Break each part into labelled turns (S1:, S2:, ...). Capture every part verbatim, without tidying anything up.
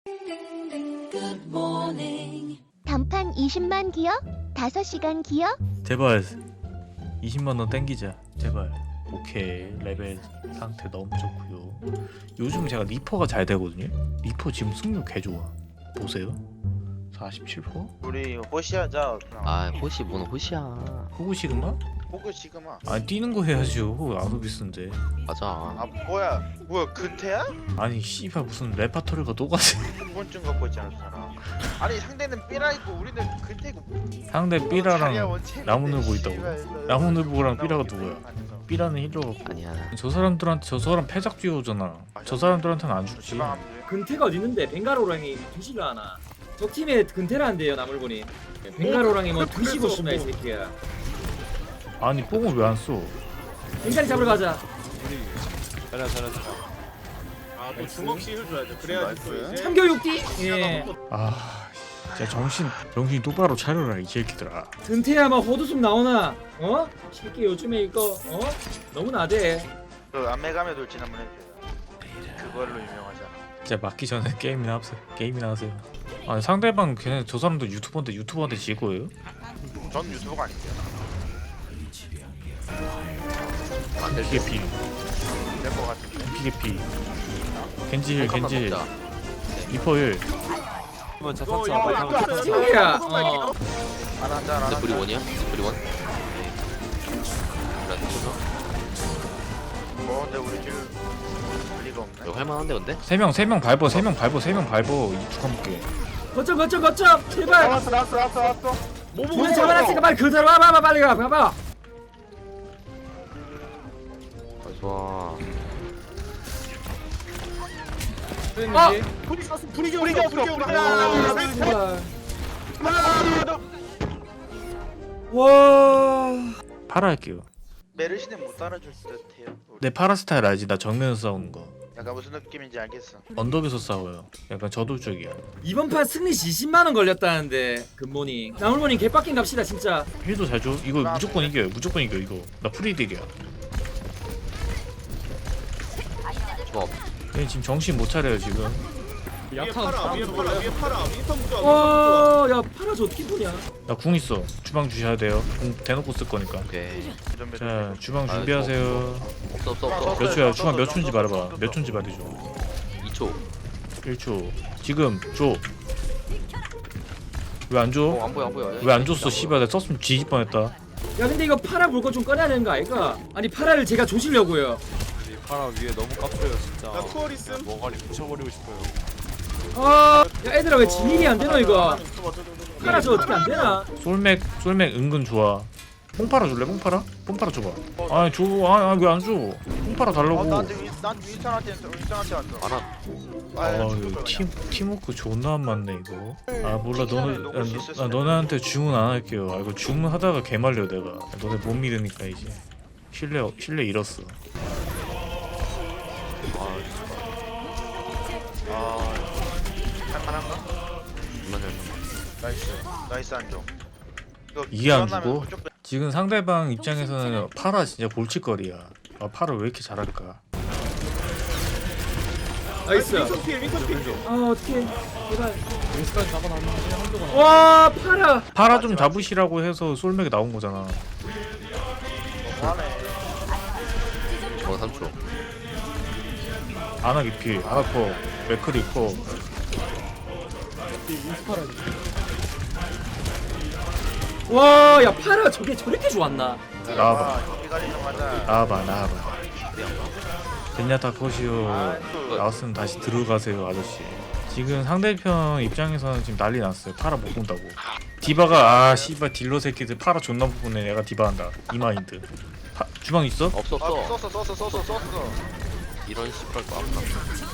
S1: 단판 이십만 기어? 다섯 시간 기어?
S2: 제발 이십만 원 땡기자 제발. 오케이, 레벨 상태 너무 좋고요. 요즘 제가 리퍼가 잘 되거든요. 리퍼 지금 승률 개 좋아. 보세요, 사십칠 퍼센트.
S3: 우리 호시하자.
S4: 아 호시 뭔 호시야.
S2: 호구 시그마?
S3: 호그 시그마.
S2: 아니 뛰는 거 해야죠. 호구 아누비스인데.
S4: 맞아.
S3: 아 뭐야? 뭐야 근태야?
S2: 아니 씨발 무슨 레파토리가 똑같이.
S3: 후본증 갖고 있잖아 그 사람. 아니 상대는 삐라이고 우리는 근태고.
S2: 상대
S3: 자리야,
S2: 삐라랑
S3: 원체
S2: 나무늘보
S3: 씨발,
S2: 있다고.
S3: 씨발.
S2: 나무늘보랑 삐라가 누구야?
S3: 아니죠.
S2: 삐라는 힐러가.
S4: 아니야.
S2: 저 사람들한테 저 사람 패작 듀오잖아. 저 사람들한테는 안 죽지.
S3: 지방 안 돼.
S5: 근태가 어디 있는데 벵가로랑이 뒤질라 하나. 적 팀에 근태라는데요 나물보니. 벵가로랑이 뭐 뒤지고 싶나 이 새끼야.
S2: 아니 뽕을 왜 안 써?
S5: 벵가리 잡으러 가자.
S6: 잘해 잘해 잘해. 아또 주먹씩을 줘야죠. 그래야지 또 이제.
S5: 참교육띠. 예.
S2: 아 진짜 정신 정신 똑바로 차려라 이 새끼들아.
S5: 근태야 뭐 호두숨 나오나? 어? 새끼 요즘에 이거 어? 너무 나대.
S3: 그 안매감에 돌진 한번 해줘요. 그걸로 유명하잖아.
S2: 진짜 맞기 전에 게임이나 하세요. 게임이나 하세요. 아니 상대방 걔네 저 사람도 유튜버인데 유튜버한테 질 거예요?
S3: 전 유튜버가 아닌데요.
S4: 안될
S2: 피게 피,
S3: 될것 같은데.
S2: 피게 피. 겐지 힐, 겐지 힐.
S4: 먹자.
S2: 리퍼 힐.
S6: 한번 자
S3: 이거,
S6: 탑차
S3: 이거,
S6: 빨리
S3: 이거,
S6: 한번 탑차.
S5: 새끼야. 어.
S3: 하나 한잔 하나.
S4: 근데 브리 원이야? 브리 원? 그래 서
S3: 뭐 근데 우리 지금 리가 없네.
S4: 이거 할만한데 근데?
S2: 세 명, 세 명 밟어, 세 명 밟어, 세 명 밟어. 이축한 볼게.
S5: 거점 거점 거점 제발.
S3: 나왔어 나왔어 나왔어 나왔어.
S5: 우리 잡아놨으니까 빨리 그대로 와봐 봐 빨리 가 봐봐.
S4: 아 좋아.
S5: 아!
S6: 불이 쐈어 불이 졌어
S3: 불이 졌어,
S6: 불이
S3: 불이
S6: 졌어.
S3: 졌어.
S5: 와.
S2: 파라 할게요.
S3: 메르시는 못 따라줄 듯해요. 우리.
S2: 내 파라 스타일 알지? 나 정면에서 싸우는 거.
S3: 약간 무슨 느낌인지 알겠어.
S2: 언덕에서 싸워요. 약간 저돌적이야.
S5: 이번 판 승리 이십만 원 걸렸다는데 굿모닝. 나물모닝 개빡긴 갑시다 진짜.
S2: 힐도 잘 줘. 이거 무조건 이겨요. 무조건 이겨 이거. 나 프리딜이야.
S4: 좋아.
S2: 얘 지금 정신 못 차려요 지금.
S6: 위에 팔아 위에 팔아 위에 팔아 윈턴 부자.
S5: 와, 야 파라 저 어떻게 보냐?
S2: 나 궁 있어. 주방 주셔야 돼요. 궁 대놓고 쓸 거니까.
S4: 오케이.
S2: 자 주방
S4: 아,
S2: 준비하세요.
S4: 없어 없어 없어.
S2: 몇 초야? 주방 몇 초인지 말해봐. 몇 초인지 말해줘.
S4: 이 초.
S2: 일 초. 지금 줘. 왜 안
S4: 어,
S2: 줘?
S4: 안 보여 안 보여.
S2: 왜 안 줬어? 씨발 내가 썼으면 뒤질 뻔했다.
S5: 야 근데 이거 파라 물건 좀 꺼내야 되는 거 아이가? 아니 파라를 제가 조시려고요.
S6: 팔아 위에 너무 깝쳐요 진짜. 나 투어 있음. 머가리 부셔버리고 싶어요.
S5: 아, 야 얘들아 왜 진일이 안 되노 이거? 파라 저 어떻게 안 되나?
S2: 솔맥 솔맥 은근 좋아. 뽕파라 줄래? 뽕파라? 뽕파라 줘봐. 아니 줘. 아니 왜 안 줘? 뽕파라
S3: 어,
S2: 달라고.
S3: 나한테 윈- 난 윈턴한테 윈턴한테 왔어.
S4: 하나.
S2: 아,
S3: 죽을
S2: 이거
S3: 거야,
S2: 팀 팀워크 존나 안 맞네 이거. 아 몰라 너네
S3: 너무
S2: 아,
S3: 실수했어.
S2: 너, 아, 너네한테 주문 안 할게요. 아 이거 주문하다가 개말려 내가. 너네 못 믿으니까 이제 신뢰 신뢰 잃었어.
S3: 아, 할만한가?
S4: 이만 열.
S3: 나이스, 나이스 안정. 이거
S2: 이해 안
S3: 기원하면
S2: 주고?
S3: 그쪽
S2: 지금 상대방 입장에서는 파라 진짜 골칫거리야. 아 파라 왜 이렇게 잘할까?
S5: 나이스.
S6: 윈턴 필 윈턴 필.
S5: 아 어떻게? 제발.
S6: 윈스까지 잡아놨는데 한동안.
S5: 와 파라.
S2: 파라 좀 잡으시라고 해서 솔맥이 나온 거잖아.
S3: 너무하네.
S4: 어 삼 초.
S2: 아나 기피, 아나 커, 맥크리 커.
S5: 와, 야 파라 저게 저렇게 좋았나?
S2: 나와봐,
S3: 아, 여기까지 좀 하자.
S2: 나와봐, 나와봐. 젠야타 컷이요. 나왔으면 다시 들어가세요, 아저씨. 지금 상대편 입장에서는 지금 난리 났어요. 파라 못 본다고. 디바가 아 씨발 딜러 새끼들 파라 존나 못 보네. 내가 디바한다. 이 마인드. 파, 주방 있어?
S4: 없어
S3: 아,
S4: 없어.
S3: 썼어, 썼어, 썼어, 썼어.
S4: 이런 씨발 거 아까.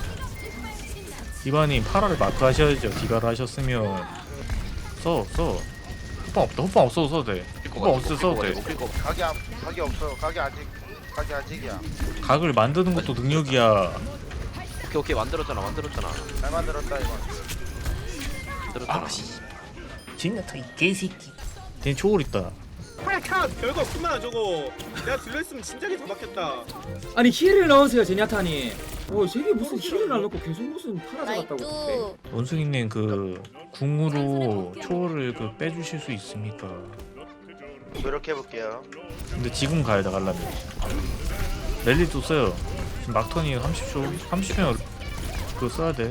S2: 디바님 파라를 마크 하셔야죠. 디바를 하셨으면 써, 써. 호빵 없다. 호빵 없어도 써도 돼. 호빵 없어도 써도 돼.
S3: 가게 안, 가게 없어. 가게 아직, 가게 아직이야.
S2: 각을 만드는 것도 능력이야.
S4: 오케이 오케이 만들었잖아 만들었잖아.
S3: 잘 만들었다 이거.
S4: 만들었잖아.
S2: 젠야타 이 개새끼. 쟤 초월 있다.
S6: 팔 컷. 별거 없구만 저거. 내가 들려있으면 진작에 잡았겠다.
S5: 아니 힐을 넣으세요 제니아타니. 오 저게 무슨 힐을 안 넣고 계속 무슨 팔아 잡았다고 그래.
S2: 원숭이님 그 궁으로 초월을 그 빼주실 수 있습니까?
S3: 노력해볼게요.
S2: 근데 지금 가야 돼 가려면. 랠리도 써요. 지금 막턴이 삼십 초 삼십 초면 그거 써야 돼.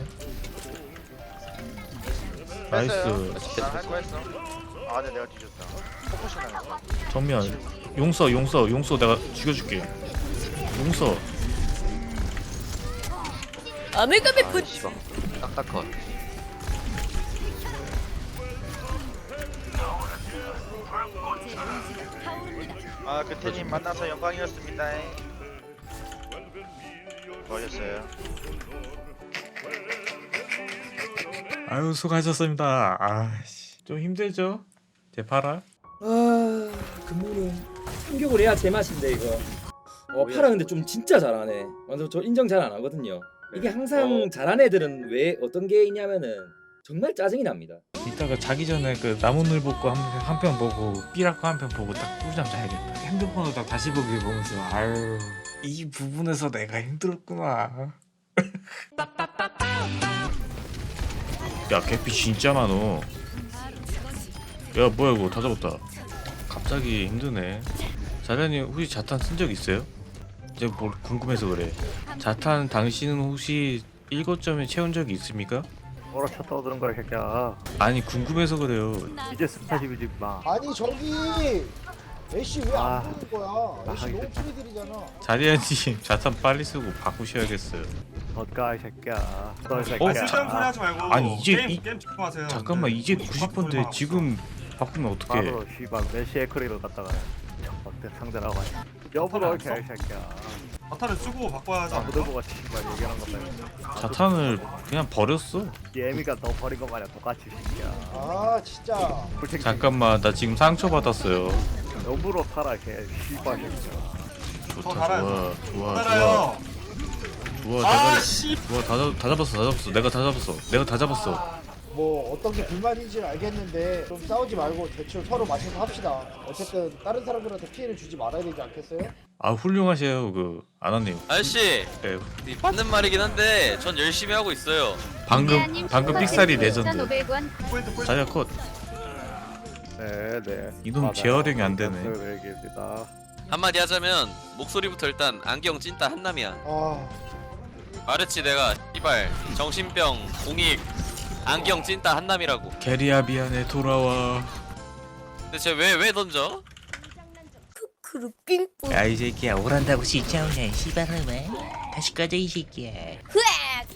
S2: 나이스.
S3: 난할거 했어. 아 근데 내가 뒤졌다. 포커싱 당했어.
S2: 정면 용서 용서 용서 내가 죽여줄게. 용서.
S7: 아메가메
S4: 아
S7: 분
S4: 씨발 딱딱컷.
S3: 아 그태님 만나서 영광이었습니다. 수고하셨어요.
S2: 아유 수고하셨습니다. 아씨 좀 힘들죠? 제 파라.
S5: 아 금무는 충격을 해야 제맛인데 이거. 어 파라 근데 좀 진짜 잘하네. 완전 저 인정 잘 안 하거든요. 이게 항상 잘하는 애들은 왜 어떤 게 있냐면은 정말 짜증이 납니다.
S2: 이따가 자기 전에 그 나무늘 복고 한 편 보고 삐라코 한 편 보고 딱 꿀잠 자야겠다. 핸드폰으로 딱 다시 보기 보면서 아유 이 부분에서 내가 힘들었구나. 야 개피 진짜 많어. 야 뭐야 이거 다 잡았다. 갑자기 힘드네. 자련이 혹시 자탄 쓴 적 있어요? 이제 뭐 궁금해서 그래. 자탄 당신은 혹시 일거점에 채운 적이 있습니까?
S8: 뭐라 쳐 떠드는 거야 새끼야.
S2: 아니 궁금해서 그래요.
S8: 이제 스타십이지 마.
S9: 아니 저기 애쉬 왜 안
S8: 아.
S9: 보는 거야? 애쉬
S8: 아,
S9: 너무
S8: 알겠다.
S9: 프리들이잖아.
S2: 자리아님 자탄 빨리 쓰고 바꾸셔야겠어요.
S8: 어까 이 새끼야. 너이
S2: 어,
S8: 새끼야.
S6: 쓸데없는 소리 하지 말고.
S2: 아니, 이제
S6: 게임,
S2: 이-
S6: 게임 집중하세요.
S2: 잠깐만
S6: 네.
S2: 이제 구십 번인데 지금 바꾸면 어떡해.
S8: 바로 씨발 메시의 크리를 갖다가 막대 상대라고 하냐. 여부러 이렇게 이 새끼야.
S6: 바타를 쓰고 바꿔야 하지 않을까?
S8: 아무도 보고 씨발 얘기하는 것다.
S2: 자탄을 그냥 버렸어.
S8: 예미가 너 버린 거 마냥 똑같이 새끼야.
S9: 아 진짜.
S8: 불책
S2: 잠깐만 나 지금 상처 받았어요.
S8: 여부러 살아 걔 씨발 새끼야.
S6: 더
S2: 좋다
S6: 달아요.
S2: 좋아 좋아 좋아
S6: 따라요.
S2: 좋아
S6: 아
S2: 대가리
S6: 씨.
S2: 좋아 다, 잡- 다 잡았어 다 잡았어 내가 다 잡았어 내가 다 잡았어.
S9: 뭐 어떤 게 불만인지는 알겠는데 좀 싸우지 말고 대충 서로 맞춰서 합시다. 어쨌든 다른 사람들한테 피해를 주지 말아야 되지 않겠어요?
S2: 아 훌륭하세요 그 안왔네요.
S10: 아저씨
S2: 네,
S10: 맞는 말이긴 한데 전 열심히 하고 있어요.
S2: 방금 방금 픽살이 레전드.
S6: 포인트 포인트.
S2: 자리아 컷.
S8: 네네.
S2: 이놈 재활용이 안 되네.
S8: 얘기입니다.
S10: 한마디 하자면 목소리부터 일단 안경 찐따 한남이야.
S9: 아
S10: 말했지 내가 이발 정신병 공익 안경 찐따 한남이라고.
S2: 게리야 미안해 돌아와.
S10: 근데 쟤 왜 왜 던져?
S7: 크루 삥뿌
S11: 야 이 새끼야 오란다고 진짜 오냐 씨발놈아. 다시 꺼져 이 새끼야.
S7: 흐악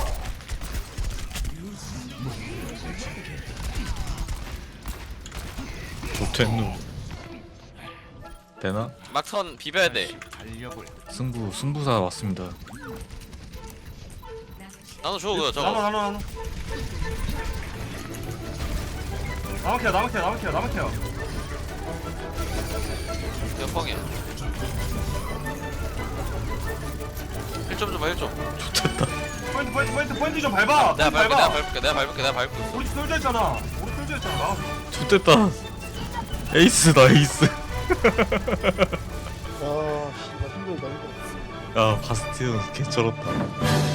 S2: 좋댔누. 되나?
S10: 막선 비벼야 돼.
S2: 승부 승부사 왔습니다.
S10: 나도 줘 그거
S6: 나눠
S10: 저거.
S6: 나눠 나눠. 나만 케어 나만 케어 나만 케어 나만 케어.
S10: 몇 뻥이야? 일 점 줘봐 일 점.
S6: 포인트 포인트 포인트 포인트 좀 밟아.
S10: 내가
S6: 포인트
S10: 밟을게 내가
S6: 밟아.
S10: 밟을게 내가 밟을게 내가 밟을게.
S6: 우리 쏠져 있잖아. 우리 쏠져 있잖아. 나와.
S2: 좋댔다. 에이스다 에이스.
S9: 아, 씨발 힘들다 힘들어.
S2: 야 바스티온 개쩔었다.